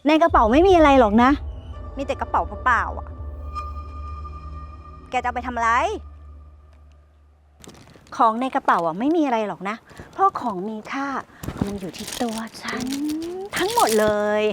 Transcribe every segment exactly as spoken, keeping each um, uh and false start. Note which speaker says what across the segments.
Speaker 1: ในกระเป๋าไม่มีอะไรหรอกนะ มีแต่กระเป๋าเปล่าๆอ่ะ แกจะเอาไปทำอะไร ของในกระเป๋าอ่ะไม่มีอะไรหรอกนะ เพราะของมีค่ามันอยู่ที่ตัวฉันทั้งหมดเลย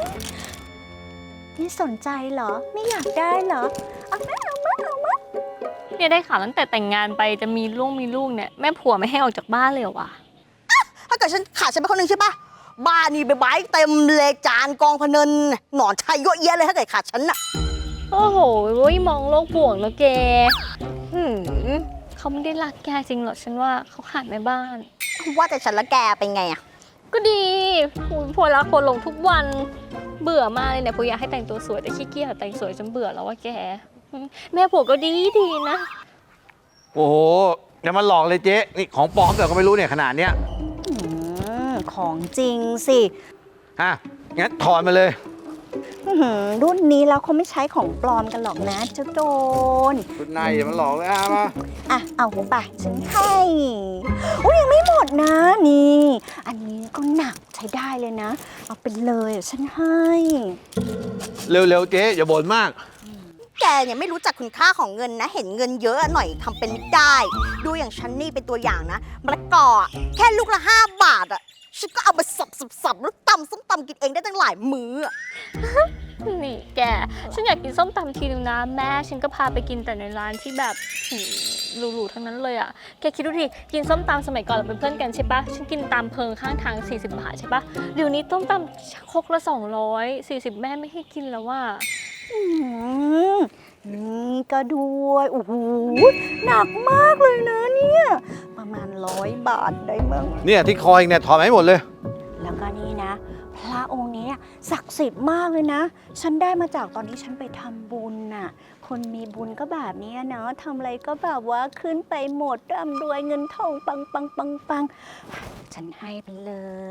Speaker 1: นี่สนใจเหรอ ไม่อยากได้เหรอ เอามาเอามาเอามา
Speaker 2: เนี่ยได้ข่าวตั้งแต่แต่งงานไปจะมีลูกมีลูกเนี่ยแม่ผัวไม่ให้ออกจากบ้านเลยเหรอวะ
Speaker 3: ถ้าเกิดฉันขาดฉันไปคนหนึ่งใช่ปะบ้านนี่ใบไม้เต็มเลยจานกองพะเนินหนอนชัยเยอะแยะเลยถ้าเกิดขาดฉันน่ะ
Speaker 2: โอ้โหมองโลกบวกแล้วแกหืมเขาไม่ได้รักแกจริงหรอกฉันว่าเขาขาดแม่บ้าน
Speaker 3: ว่าแต่ฉันละแกเป็นไงอะ
Speaker 2: ก็ดีผัวรักผัวหลงทุกวันเบื่อมากเลยเนี่ยผัวอยากให้แต่งตัวสวยแต่ขี้เกียจแต่งสวยจนเบื่อแล้วว่าแกแม่ผัวก็ดีดีนะ
Speaker 4: โอ้โหอย่ามาหลอกเลยเจ๊นี่ของปลอมแต่ก็ไม่รู้เนี่ยขนาดเนี้ย
Speaker 1: อืมของจริงสิ
Speaker 4: ฮะงั้นถอนมาเลย
Speaker 1: อื้อหือรุ่นนี้แล้วเขาไม่ใช้ของปลอมกันหรอกนะเจ้าโจร
Speaker 4: คุณนายอย่ามาหลอกเลยอ่ะมา
Speaker 1: อ่ะ เอาไปฉันให้อุ้ยยังไม่หมดนะนี่ อันนี้ก็หนักใช้ได้เลยนะ เอาไปเลยฉันให้
Speaker 4: เร็วๆเจ๊อย่าบ่นมาก
Speaker 3: แกเนี่ยไม่รู้จักคุณค่าของเงินนะ เห็นเงินเยอะหน่อยทำเป็นไม่ได้ ดูอย่างฉันนี่เป็นตัวอย่างนะมะละกออะแค่ลูกละห้าบาทอะฉันก็เอาไปสับสับสับแล้วตำส้มตำกินเองได้ตั้งหลายมื้ออะ
Speaker 2: นี่แกฉันอยากกินส้มตำทีนึงนะแม่ฉันก็พาไปกินแต่ในร้านที่แบบหืมหรูๆทั้งนั้นเลยอ่ะแกคิดดูดิกินส้มตำสมัยก่อนเราเป็นเพื่อนกันใช่ปะฉันกินตามเพิงข้างทางสี่สิบบาทใช่ปะเดี๋ยวนี้ส้มตำครกละสองร้อยสี่สิบแม่ไม่ให้กินแล้วว่า
Speaker 1: อืมนี่ก็ด้วยโอ้โหหนักมากเลยนะเนี่ย ประมาณร้อยบาทได้มั้ง
Speaker 4: เนี่ยที่คอเองเนี่ยถอนมาให้หมดเลย
Speaker 1: แล้วก็นี่นะ พระองค์นี้ศักดิ์สิทธิ์มากเลยนะ ฉันได้มาจากตอนที่ฉันไปทำบุญน่ะ คนมีบุญก็แบบนี้เนาะทำอะไรก็แบบว่าขึ้นไปหมดร่ำรวยเงินทองปังปังปังปังฉันให้ไปเลย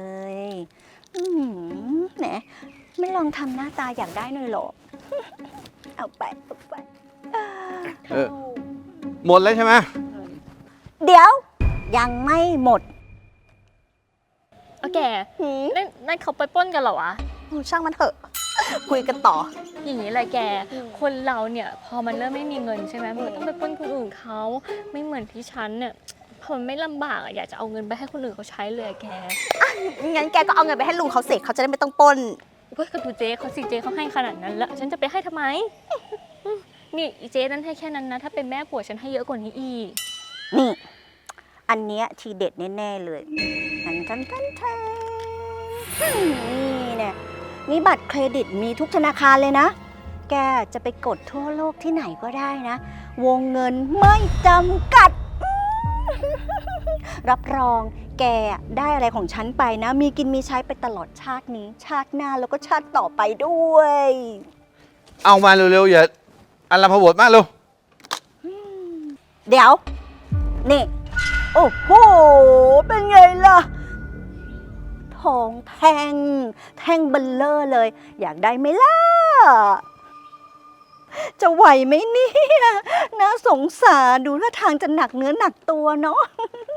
Speaker 1: อืมแหนไม่ลองทำหน้าตาอยากได้หน่อยหรอ เอาไปเอาไป
Speaker 4: เออ หมดแล้วใช่ไหม
Speaker 1: เดี๋ยว ยังไม่หมด
Speaker 2: โอเคนั่นนั่นเขาไปปล้นกันเหรอวะ
Speaker 3: ช่างมันเถอะ คุยกันต่อ
Speaker 2: อย่างนี้แหละแก คนเราเนี่ยพอมันเริ่มไม่มีเงินใช่ไหมมันก็ต้องไปปล้นคนอื่นเขาไม่เหมือนที่ฉันเนี่ยพอมันไม่ลำบากอะอยากจะเอาเงินไปให้คนอื่นเขาใช้เลยอะแก
Speaker 3: งั้นแกก็เอาเงินไปให้ลุงเขาเสกเขาจะได้ไม่ต้องปล้น
Speaker 2: เฮ้ยก็ดูเจ๊เขาสิเจ๊เขาให้ขนาดนั้นแล้วฉันจะไปให้ทำไม นี่อีเจ๊นั้นให้แค่นั้นนะ ถ้าเป็นแม่ผัวฉันให้เยอะกว่านี้อีก
Speaker 1: นี่ อันเนี้ยทีเด็ดแน่ๆเลยทันทันทันทันนี่เนี่ยมีบัตรเครดิตมีทุกธนาคารเลยนะ แกจะไปกดทั่วโลกที่ไหนก็ได้นะ วงเงินไม่จำกัด รับรองแกได้อะไรของฉันไปนะ มีกินมีใช้ไปตลอดชาตินี้ ชาติหน้าแล้วก็ชาติต่อไปด้วย
Speaker 4: เอามาเร็วๆอย่าอันละพบทมากเร็ว
Speaker 1: เดี๋ยว นี่ โอ้โห เป็นไงล่ะ ทองแท่ง แท่งเบลเลอร์เลย อยากได้ไหมล่ะ จะไหวไหมเนี่ยน่าสงสารดูท่าทางจะหนักเนื้อหนักตัวเนาะ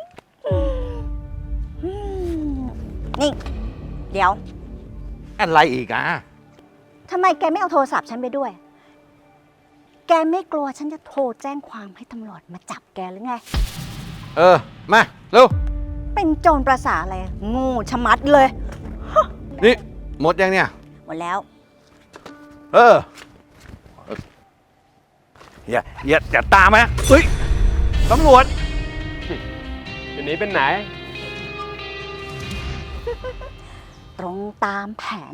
Speaker 1: นี่ เดี๋ยว
Speaker 4: อะไรอีกอ่ะ
Speaker 1: ทำไมแกไม่เอาโทรศัพท์ฉันไปด้วย แกไม่กลัวฉันจะโทรแจ้งความให้ตำรวจมาจับแกหรือไง
Speaker 4: เออ มาเร็ว
Speaker 1: เป็นโจรประสาอะไรโงูชะมัดเลย
Speaker 4: นี่หมดยังเนี่ย
Speaker 1: หมดแล้ว
Speaker 4: เออ อย่าอย่าอย่าตามนะเฮ้ยตำรวจ
Speaker 5: จะหนีเป็นไหน
Speaker 1: ตรงตามแผน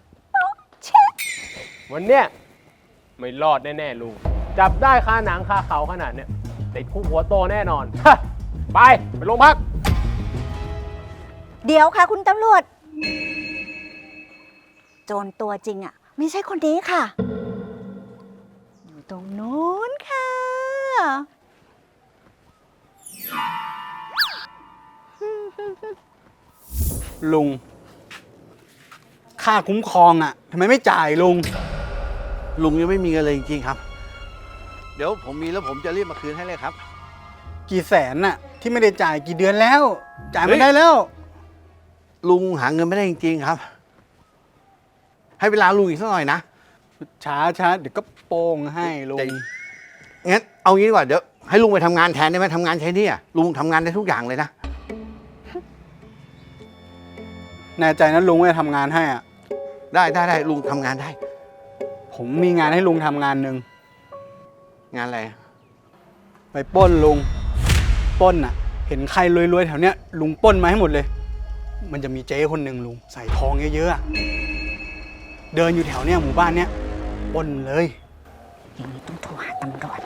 Speaker 5: วันเนี้ยไม่รอดแน่ๆลุง จับได้คาหนังคาเขาขนาดเนี้ยติดคุกหัวโตแน่นอน ไป ไปโรงพัก
Speaker 1: เดี๋ยวค่ะคุณตำรวจ โจรตัวจริงอ่ะ ไม่ใช่คนนี้ค่ะ อยู่ตรงนู้นค่ะ
Speaker 6: ลุง ค่าคุ้มครองอ่ะทำไมไม่จ่ายลุง
Speaker 4: ลุงยังไม่มีเงินเลยจริงๆครับ เดี๋ยวผมมีแล้วผมจะรีบมาคืนให้เลยครับ
Speaker 6: กี่แสนน่ะ ที่ไม่ได้จ่ายกี่เดือนแล้ว จ่าย
Speaker 4: เฮ้
Speaker 6: ไม่
Speaker 4: ย
Speaker 6: ได้แล้ว
Speaker 4: ลุงหาเงินไม่ได้จริงๆครับให้เวลาลุงอีกสักหน่อยนะ
Speaker 6: ช้าช้าเดี๋ยวก็โป้งให้ลุง
Speaker 4: ใจ งั้นเอางี้ดีกว่าเดี๋ยวให้ลุงไปทำงานแทนได้ไหมทำงานใช้หนี่อะลุงทำงานได้ทุกอย่างเลยนะ
Speaker 6: แน่ใจนะลุงว่าจะทำงานให้อ่ะ
Speaker 4: ได้ได้ได้ลุงทำงานได้
Speaker 6: ผมมีงานให้ลุงทำงานหนึ่ง
Speaker 4: งานอะไรอะ
Speaker 6: ไปปล้นลุงปล้นอ่ะ เห็นใครรวยๆแถวเนี้ยลุงปล้นมาให้หมดเลย มันจะมีเจ๊คนหนึ่งลุงใส่ทองเยอะๆอะเดินอยู่แถวเนี้ยหมู่บ้านเนี้ยปล้นเลย
Speaker 1: อย่างนี้ต้องโทรหาตำรวจ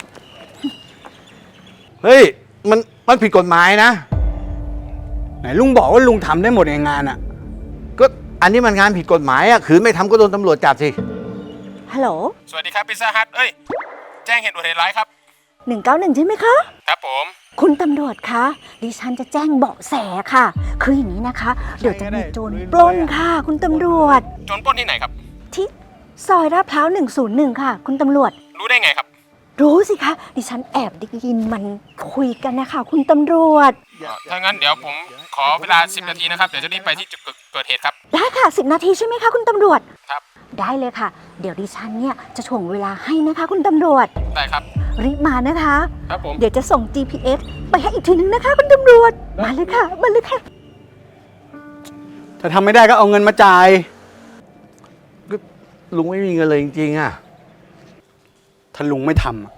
Speaker 4: เฮ้ยมันมันผิดกฎหมายนะ
Speaker 6: ไหนลุงบอกว่าลุงทำได้หมดในงานอ่ะ
Speaker 4: ก็อันนี้มันงานผิดกฎหมายอะขืนไม่ทำก็โดนตำรวจจับสิ
Speaker 1: ฮัลโหล
Speaker 5: สวัสดีครับพิซซ่าฮัทเอ้ย แจ้งเหตุอุบัติเหตุร้ายครับ
Speaker 1: หนึ่งเก้าหนึ่งใช่ไหมคะ
Speaker 5: ครับผม
Speaker 1: คุณตำรวจคะ ดิฉันจะแจ้งเบาะแสค่ะ คืออย่างนี้นะคะ เดี๋ยวจะมีโจรปล้นค่ะ คุณตำรวจ
Speaker 5: โจรปล้นที่ไหนครับ
Speaker 1: ที่ซอยลาดพร้าวหนึ่งศูนย์หนึ่งค่ะ คุณตำรวจ
Speaker 5: รู้ได้ไงครับ
Speaker 1: รู้สิคะ ดิฉันแอบได้ยินมันคุยกันนะคะ คุณตำรวจ
Speaker 5: ถ้างั้นเดี๋ยวผมขอเวลาสิบนาทีนะครับ เดี๋ยวจะรีบไปที่จุดเกิดเหตุครับ
Speaker 1: ได้ค่ะสิบนาทีใช่ไหมคะคุณตำรวจ
Speaker 5: ครับ
Speaker 1: ได้เลยค่ะ เดี๋ยวดิฉันเนี่ยจะถ่วงเวลาให้นะคะ คุณตำรวจ
Speaker 5: ได้ครับ
Speaker 1: รีบมานะคะ
Speaker 5: ครับผม
Speaker 1: เดี๋ยวจะส่ง จี พี เอส ไปให้อีกทีนึงนะคะ คุณตำรวจ มาเลยค่ะ มาเลยค่ะ
Speaker 6: ถ้าทำไม่ได้ก็เอาเงินมาจ่าย
Speaker 4: ก็ลุงไม่มีเงินเลยจริงๆอะ
Speaker 6: ถ้าลุงไม่ทำอะ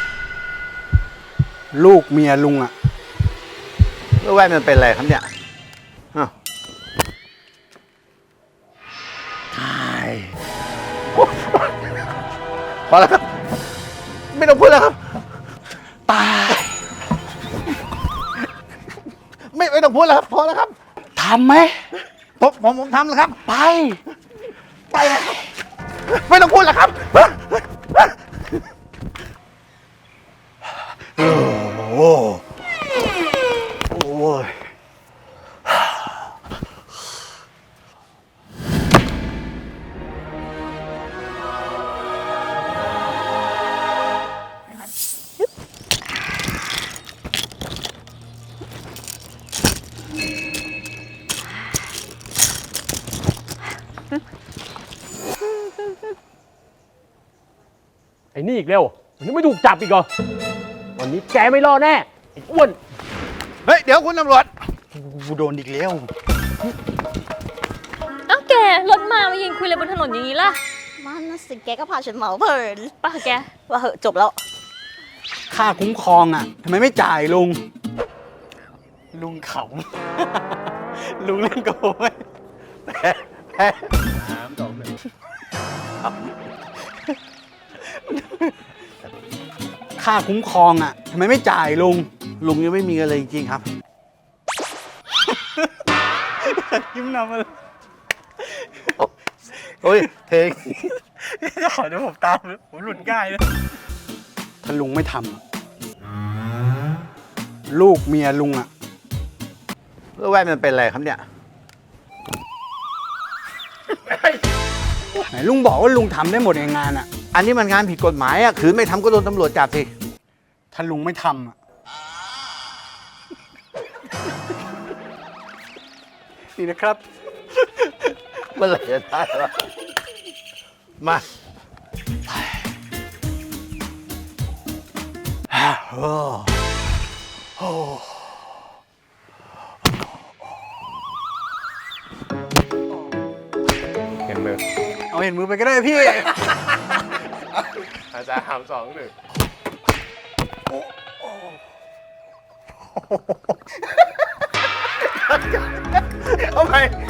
Speaker 6: ลูกเมียลุงอ่ะ
Speaker 4: แล้วแว่นมันเป็นอะไรครับเนี่ยอ้าวตายพอแล้วครับ ไม่ต้องพูดแล้วครับ ตาย ไม่ไม่ต้องพูดแล้วครับ พอแล้วครับ
Speaker 6: ทำไหม
Speaker 4: ผมผมผมทำแล้วครับ ไป ไปแล้วครับไม่ต้องพูดแล้วครับ โอ้โหโอ้ย
Speaker 5: ไอ้นี่อีกเร็วมันยังไม่ถูกจับอีกเหรอ วันนี้แกไม่รอดแน่ ไอ้อ้วน
Speaker 4: เฮ้ย เดี๋ยวคุณตำรวจ
Speaker 6: กูโดนอีกแล้ว
Speaker 2: เอ้าแกรถมามายืนคุยอะไรบนถนนอย่างนี้ล่ะ
Speaker 3: มันน่ะสิแกก็พาฉันเหมาเพลิน
Speaker 2: ป่ะแก
Speaker 3: ว่าเหอะจบแล้ว
Speaker 6: ค่าคุ้มครองอ่ะทำไมไม่จ่ายลุง ลุงขำ ลุงเล่นโกยค่าคุ้มครองอ่ะทำไมไม่จ่ายลุง
Speaker 4: ลุงยังไม่มีเงินเลยจริงๆครับ
Speaker 6: ยิ้มนำมาเลย
Speaker 4: โอ้ยเทง
Speaker 6: ขอเดี๋ยวผมตามผมหลุดง่ายเลยถ้าลุงไม่ทำอะลูกเมียลุงอ่ะ
Speaker 4: แล้วแว่นมันเป็นอะไรครับเนี่ย
Speaker 6: ไหนลุงบอกว่าลุงทำได้หมดในงานอ่ะ
Speaker 4: อันนี้มันงานผิดกฎหมายอะขืนไม่ทำก็โดนตำรวจจับสิ
Speaker 6: ถ้าลุงไม่ทำอ่ะ นี่นะครับ
Speaker 4: เมื่อไหร่จะได้วะมาโอ้โห
Speaker 5: เห็นมือ
Speaker 6: เอาเห็นมือไปก็ได้พี่
Speaker 5: อาจารย์สามสองหนึ่ง
Speaker 4: เอาไป